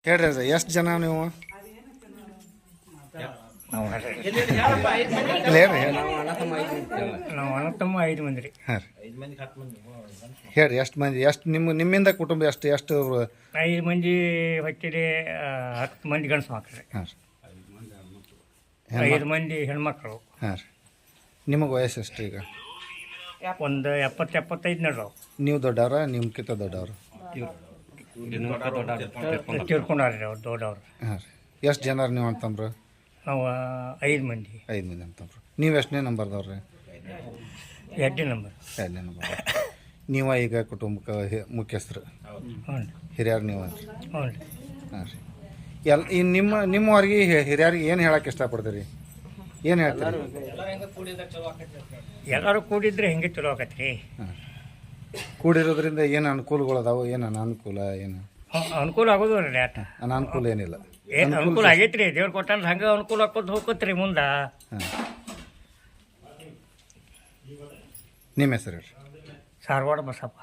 ಹೇಳ್ರಿ ಅದ ಎಷ್ಟು ಜನ ನೀವು ಹೇಳ್ರಿ ನಾವು ಅಣ್ಣ ತಮ್ಮ 5 ಮಂದಿ ರೀ. ಹಾಂ ರೀ ಹೇಳ್ರಿ ಎಷ್ಟು ಮಂದಿ ಎಷ್ಟು ನಿಮ್ಮಿಂದ ಕುಟುಂಬ ಎಷ್ಟು 5 ಮಂದಿ ಹೊಟ್ಟಿರಿ, 10 ಮಂದಿ ಗಂಡಸು ಮಕ್ಕಳು ರೀ, ಹಾಂ 5 ಮಂದಿ ಹೆಣ್ಮಕ್ಳು. ಹಾಂ ರೀ ನಿಮಗೆ ವಯಸ್ಸು ಎಷ್ಟು ಈಗ? ಒಂದು 70-75 ನಡ್ರವು. ನೀವು ದೊಡ್ಡವ್ರ ನಿಮ್ಗಿಂತ ದೊಡ್ಡವ್ರು? ತೀರ್ಕೊಂಡಾರ್ರಿ ಅವ್ರು ದೊಡ್ಡವ್ರು. ಹಾಂ ರೀ ಎಷ್ಟು ಜನ ನೀವು ಅಂತಂಬ್ರು? ನಾವು 5 ಮಂದಿ. 5 ಮಂದಿ ಅಂತಂಬ್ರು. ನೀವು ಎಷ್ಟನೇ ನಂಬರ್ದವ್ರಿ? 2ನೇ ನಂಬರ್. 2ನೇ ನಂಬರ್. ನೀವ ಈಗ ಕುಟುಂಬಕ್ಕೆ ಮುಖ್ಯಸ್ಥರು, ಹ್ಞೂ ರೀ. ಹಿರಿಯರು ನೀವು? ಹ್ಞೂ ರೀ. ಹಾಂ ರೀ ಈ ನಿಮ್ಮವ್ರಿಗೆ ಹಿರಿಯರಿಗೆ ಏನು ಹೇಳಕ್ಕೆ ಇಷ್ಟಪಡ್ತೀರಿ? ಏನು ಹೇಳ್ತೀರಿ? ಎಲ್ಲರೂ ಕೂಡಿದ್ರೆ ಹೆಂಗೆ ಚಲೋ ಆಕತ್ರಿ ರೀ. ಹಾಂ ಕೂಡಿರೋದ್ರಿಂದ ಏನು ಅನುಕೂಲಗಳದಾವು, ಏನು ಅನಾನುಕೂಲ, ಏನು ಅನುಕೂಲ ಆಗೋದು ರೀ. ಆಟ ಅನಾನುಕೂಲ ಏನಿಲ್ಲ. ಏನು ಅನುಕೂಲ ಆಗೈತೆ ರೀ, ದೇವ್ರು ಕೊಟ್ಟಂದ್ರೆ ಹಂಗೆ ಅನುಕೂಲ ಹಾಕೋದು ಹೋಗತ್ರಿ ಮುಂದೆ. ಹಾಂ ನಿಮ್ಮ ಹೆಸರು ಹೇಳ್ರಿ? Saravada Basappa.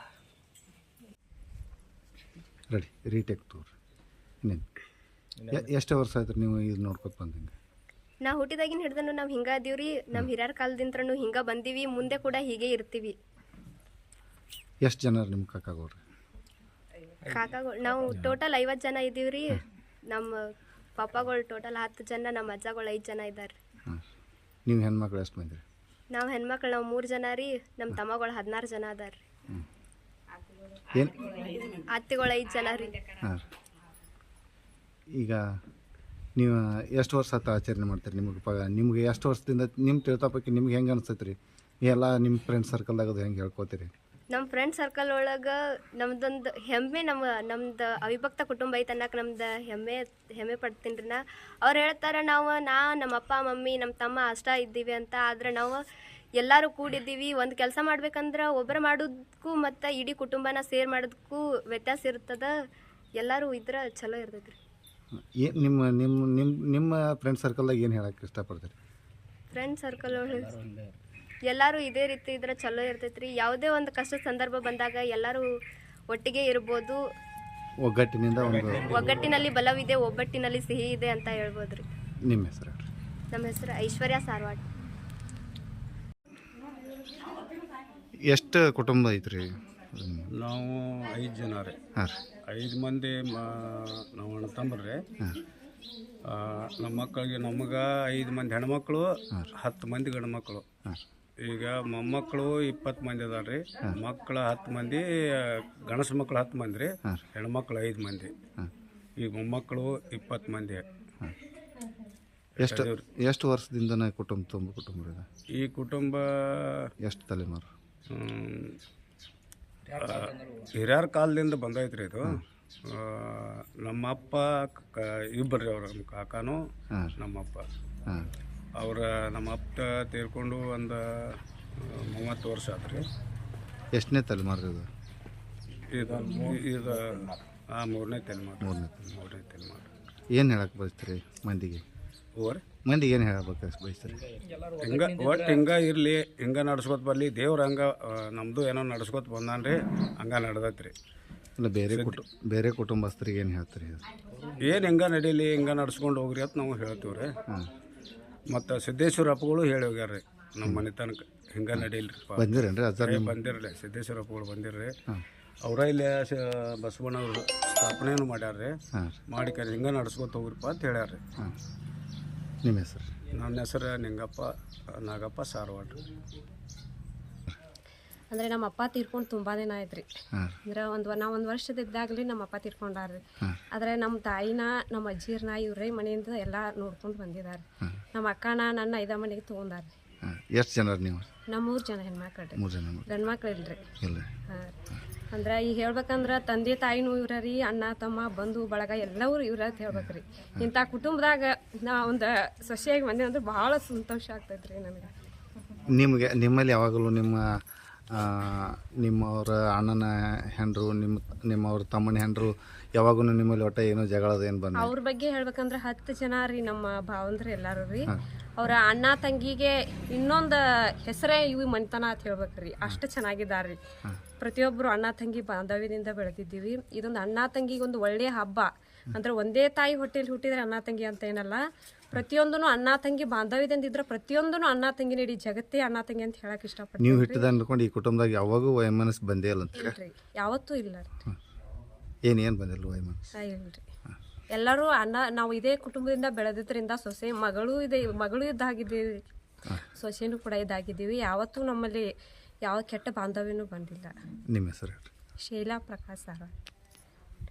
Ready retake tour. ಇನ್ನೇನು ಎಷ್ಟು ವರ್ಷ ಆಯ್ತು ನೀವು ಇದು ನೋಡ್ಕೊತ ಬಂದಂಗೆ? ನಾ ಹುಟ್ಟಿದಾಗಿನ ಹಿಡ್ದನು ನಾವು ಹಿಂಗೆ ಅದೀವ್ರಿ. ನಮ್ಮ ಹಿರಿಯರ ಕಾಲದಿಂತ್ರನು ಹಿಂಗೆ ಬಂದೀವಿ, ಮುಂದೆ ಕೂಡ ಹೀಗೆ ಇರ್ತೀವಿ. ಎಷ್ಟು ಜನ ನಿಮ್ಮ ಕಾಕಾಗೋರು? ಕಾಕಾಗಳು ನಾವು ಟೋಟಲ್ 50 ಜನ ಇದ್ದೀವ್ರಿ. ನಮ್ಮ ಪಾಪಾಗಳು ಟೋಟಲ್ 10 ಜನ, ನಮ್ಮ ಅಜ್ಜಗಳು 5 ಜನ ಇದ್ದಾರೆ. ಹಾಂ ನೀವು ಹೆಣ್ಮಕ್ಳು ಎಷ್ಟು ಮಂದಿ? ನಾವು ಹೆಣ್ಮಕ್ಳು ನಾವು 3 ಜನ ರೀ. ನಮ್ಮ ತಮ್ಮಗಳು 16 ಜನ ಅದಾರ ರೀ. ಏನು ಅತ್ತೆಗಳು 5 ಜನ ರೀ. ಹಾಂ ಈಗ ನೀವು ಎಷ್ಟು ವರ್ಷ ಆತ ಆಚರಣೆ ಮಾಡ್ತೀರಿ? ನಿಮ್ಗೆ ಎಷ್ಟು ವರ್ಷದಿಂದ ನಿಮ್ಮ ತಿಳ್ತಾಪಕ್ಕೆ ನಿಮ್ಗೆ ಹೆಂಗೆ ಅನಿಸ್ತೈತೆ ರೀ? ಎಲ್ಲ ನಿಮ್ಮ ಫ್ರೆಂಡ್ ಸರ್ಕಲ್ದಾಗ ಅದು ಹೆಂಗೆ ಹೇಳ್ಕೊತೀರಿ? ನಮ್ಮ ಫ್ರೆಂಡ್ ಸರ್ಕಲ್ ಒಳಗೆ ನಮ್ದೊಂದು ಹೆಮ್ಮೆ, ನಮ್ದು ಅವಿಭಕ್ತ ಕುಟುಂಬ ಐತೆ ಅನ್ನಕ್ಕೆ ನಮ್ದು ಹೆಮ್ಮೆ ಪಡ್ತೀನಿ ರೀ. ಅವ್ರು ಹೇಳ್ತಾರೆ ನಮ್ಮ ಅಪ್ಪ ಮಮ್ಮಿ ನಮ್ಮ ತಮ್ಮ ಅಷ್ಟ ಇದ್ದೀವಿ ಅಂತ. ಆದರೆ ನಾವು ಎಲ್ಲರೂ ಕೂಡಿದ್ದೀವಿ. ಒಂದು ಕೆಲಸ ಮಾಡ್ಬೇಕಂದ್ರೆ ಒಬ್ಬರು ಮಾಡೋದಕ್ಕೂ ಮತ್ತು ಇಡೀ ಕುಟುಂಬನ ಸೇರ್ ಮಾಡೋದಕ್ಕೂ ವ್ಯತ್ಯಾಸ ಇರ್ತದೆ. ಎಲ್ಲರೂ ಇದ್ರೆ ಚಲೋ ಇರ್ತೈತೆ ರೀ. ನಿಮ್ಮ ನಿಮ್ಮ ನಿಮ್ಮ ನಿಮ್ಮ ಫ್ರೆಂಡ್ ಸರ್ಕಲ್ದಾಗ ಏನು ಹೇಳಕ್ಕೆ ಇಷ್ಟಪಡ್ತೀರಿ? ಫ್ರೆಂಡ್ ಸರ್ಕಲ್ ಒಳಗೆ ಎಲ್ಲರೂ ಇದೇ ರೀತಿ ಇದ್ರೆ ಚಲೋ ಇರ್ತೈತೆ ರೀ. ಯಾವುದೇ ಒಂದು ಕಷ್ಟ ಸಂದರ್ಭ ಬಂದಾಗ ಎಲ್ಲರೂ ಒಟ್ಟಿಗೆ ಇರ್ಬೋದು. ಒಗ್ಗಟ್ಟಿನಲ್ಲಿ ಬಲವಿದೆ, ಒಬ್ಬಟ್ಟಿನಲ್ಲಿ ಸಿಹಿ ಇದೆ ಅಂತ ಹೇಳ್ಬೋದು ರೀ. ನಿಮ್ಮ ಹೆಸರು? ನಮ್ಮ ಹೆಸರು ಐಶ್ವರ್ಯ ಸಾರವಾಡ್. ಎಷ್ಟು ಕುಟುಂಬ ಐತ್ರಿ? ನಾವು 5 ಜನ ರೀ. ಹಾಂ ರೀ 5 ಮಂದಿ ನಾವು ಅಣ್ಣ ತಮ್ಮರ್ರಿ. ನಮ್ಮ ಮಕ್ಕಳಿಗೆ ನಮಗೆ 5 ಮಂದಿ ಹೆಣ್ಮಕ್ಳು, 10 ಮಂದಿ ಗಂಡು ಮಕ್ಕಳು. ಈಗ ಮೊಮ್ಮಕ್ಕಳು 20 ಮಂದಿ ಅದಾರ ರೀ. ಮಕ್ಕಳು 10 ಮಂದಿ, ಗಣಸು ಮಕ್ಕಳು 10 ಮಂದಿ ರೀ, ಹೆಣ್ಮಕ್ಳು 5 ಮಂದಿ. ಈಗ ಮೊಮ್ಮಕ್ಕಳು 20 ಮಂದಿ. ಎಷ್ಟು ವರ್ಷದಿಂದ ಕುಟುಂಬ ಇದೆ? ಈ ಕುಟುಂಬ ಎಷ್ಟು ತಲೆಮಾರು? ಹಿರಿಯರ ಕಾಲದಿಂದ ಬಂದೈತ್ರಿ ಇದು. ನಮ್ಮಪ್ಪ ಇಬ್ಬರು ರೀ, ಅವ್ರ ನಮ್ಮ ಕಾಕಾನು ನಮ್ಮಪ್ಪ. ನಮ್ಮ ಅಪ್ಪ ತೀರ್ಕೊಂಡು ಒಂದು 30 ವರ್ಷ ಆತು ರೀ. ಎಷ್ಟನೇ ತಲೆಮಾರು ಇದು? ಇದು ಮೂರನೇ ತಲೆಮಾರು. ಏನು ಹೇಳಕ್ಕೆ ಬಯಸ್ತೀರಿ ಮಂದಿಗೆ? ಮಂದಿಗೆ ಏನು ಹೇಳಬೇಕು ಬಯಸ್ತೀರಿ? ಹಿಂಗೆ ಇರಲಿ, ಹಿಂಗೆ ನಡ್ಸ್ಕೊತ ಬರಲಿ. ದೇವ್ರು ಹಂಗೆ ನಮ್ಮದು ಏನೋ ನಡ್ಸ್ಕೊತ ಬಂದಾನ್ರಿ, ಹಂಗೆ ನಡೆದೈತ್ರಿ. ಇಲ್ಲ ಬೇರೆ ಕುಟುಂಬಸ್ಥರಿಗೆ ಏನು ಹೇಳ್ತೀರಿ? ಏನು ಹಿಂಗೆ ನಡೀಲಿ, ಹಿಂಗೆ ನಡ್ಸ್ಕೊಂಡು ಹೋಗ್ರಿ ಅಂತ ನಾವು ಹೇಳ್ತೀವಿ ರೀ. ಮತ್ತು ಸಿದ್ದೇಶ್ವರ ಅಪ್ಪಗಳು ಹೇಳಿ ಹೋಗ್ಯಾರ್ರಿ ನಮ್ಮ ಮನೆ ತನಕ ಹಿಂಗೆ ನಡೀಲ್ರಿ. ಬಂದಿರೇನ್ರಿ? ಬಂದಿರಲಿ, ಸಿದ್ದೇಶ್ವರ ಅಪ್ಪಗಳು ಬಂದಿರ್ರಿ. ಅವರ ಇಲ್ಲಿ ಬಸವಣ್ಣವ್ರು ಸ್ಥಾಪನೆಯನ್ನು ಮಾಡ್ಯಾರ್ರಿ. ಮಾಡಿ ಹಿಂಗೆ ನಡ್ಸ್ಕೊತ ಹೋಗ್ರಿಪ್ಪ ಅಂತ ಹೇಳ್ಯಾರ್ರಿ. ನಿಮ್ಮ ಹೆಸರು? ನನ್ನ ಹೆಸರು ನಾಗಪ್ಪ ಸಾರವಾಡ್. ಅಂದರೆ ನಮ್ಮ ಅಪ್ಪ ತೀರ್ಕೊಂಡು ತುಂಬ ದಿನ ಆಯ್ತು ರೀ. ಅಂದ್ರೆ ನಾವು ಒಂದು ವರ್ಷದಿದ್ದಾಗಲಿ ನಮ್ಮ ಅಪ್ಪ ತೀರ್ಕೊಂಡಾರ್ರಿ. ಆದರೆ ನಮ್ಮ ತಾಯಿನ, ನಮ್ಮ ಅಜ್ಜಿರ್ನ ಇವ್ರೇ ಮನೆಯಿಂದ ಎಲ್ಲ ನೋಡ್ಕೊಂಡು ಬಂದಿದ್ದಾರೆ. ನಮ್ಮ ಅಕ್ಕನ ನನ್ನ 5 ಮನೆಗೆ ತೊಗೊಂಡಾರ್ರಿ. ಎಷ್ಟು ಜನ ನೀವು? ನಮ್ಮ 3 ಜನ ಹೆಣ್ಮಕ್ಳು ರೀ. 3 ಜನ ಗಂಡು ಮಕ್ಳು ಇಲ್ರಿ. ಹಾಂ ಅಂದ್ರೆ ಈಗ ಹೇಳ್ಬೇಕಂದ್ರೆ ತಂದೆ ತಾಯಿನೂ ಇವ್ರ ರೀ, ಅಣ್ಣ ತಮ್ಮ ಬಂಧು ಬಳಗ ಎಲ್ಲರೂ ಇವ್ರ ಅಂತ ಹೇಳ್ಬೇಕ್ರಿ. ಇಂಥ ಕುಟುಂಬದಾಗ ನಾ ಒಂದು ಸೊಸೆಯಾಗಿ ಬಂದೆ ಅಂದ್ರೆ ಭಾಳ ಸಂತೋಷ ಆಗ್ತೈತೆ ರೀ ನನಗೆ. ನಿಮ್ಮಲ್ಲಿ ಯಾವಾಗಲೂ ನಿಮ್ಮವ್ರ ಅಣ್ಣನ ಹೆಂಡ್ರು, ನಿಮ್ಮವ್ರ ತಮ್ಮನ ಹೆಂಡ್ರು ಯಾವಾಗೂ ನಿಮ್ಮಲ್ಲಿ ಒಟ್ಟ ಏನೋ ಜಗಳದ ಏನು ಬಂದ? ಅವ್ರ ಬಗ್ಗೆ ಹೇಳ್ಬೇಕಂದ್ರೆ 10 ಜನ ರೀ ನಮ್ಮ ಭಾವಂದ್ರೆ ಎಲ್ಲರೂ ರೀ. ಅವರ ಅಣ್ಣ ತಂಗಿಗೆ ಇನ್ನೊಂದು ಹೆಸರೇ ಇವು ಮನೆತನ ಅಂತ ಹೇಳ್ಬೇಕ್ರಿ. ಅಷ್ಟು ಚೆನ್ನಾಗಿದ್ದಾರ್ರಿ. ಪ್ರತಿಯೊಬ್ಬರು ಅಣ್ಣ ತಂಗಿ ಬಾಂಧವ್ಯದಿಂದ ಬೆಳೆದಿದ್ದೀವಿ. ಇದೊಂದು ಅಣ್ಣ ತಂಗಿಗೆ ಒಂದು ಒಳ್ಳೆಯ ಹಬ್ಬ. ಅಂದ್ರೆ ಒಂದೇ ತಾಯಿ ಹೊಟ್ಟೆಲಿ ಹುಟ್ಟಿದ್ರೆ ಅಣ್ಣ ತಂಗಿ ಅಂತ ಏನಲ್ಲ, ಪ್ರತಿಯೊಂದೂ ಅಣ್ಣ ತಂಗಿ ಬಾಂಧವ್ಯದಿಂದ ಇದ್ರೆ ಪ್ರತಿಯೊಂದೂ ಅಣ್ಣ ತಂಗಿನ ಇಡೀ ಜಗತ್ತೇ ಅಣ್ಣ ತಂಗಿ ಅಂತ ಹೇಳಕ್ ಇಷ್ಟಪಡ್ತೀನಿ. ನೀವು ಹಿಟ್ಟಿದ ಅನ್ಕೊಂಡು ಈ ಕುಟುಂಬದಾಗ ಯಾವಾಗೂ ವೈಮನಸ್ ಬಂದೇ ಇಲ್ಲ ಅಂತ ಇಲ್ರಿ, ಯಾವತ್ತೂ ಇಲ್ಲ ರೀ. ಏನು ಬಂದಿಲ್ಲ ವೈಮನಸ್? ಇಲ್ರಿ, ಎಲ್ಲರೂ ಅಣ್ಣ, ನಾವು ಇದೇ ಕುಟುಂಬದಿಂದ ಬೆಳೆದಿದ್ರಿಂದ ಸೊಸೆ ಮಗಳು ಇದ್ದಾಗಿದ್ದೀವಿ, ಸೊಸೆನೂ ಕೂಡ ಇದ್ದಾಗಿದ್ದೀವಿ. ಯಾವತ್ತೂ ನಮ್ಮಲ್ಲಿ ಯಾವ ಕೆಟ್ಟ ಬಾಂಧವ್ಯನೂ ಬಂದಿಲ್ಲ. ನಿಮ್ಮ ಹೆಸರು ಹೇಳ್ರಿ? ಶೈಲಾ ಪ್ರಕಾಶ್ ಸಾರ.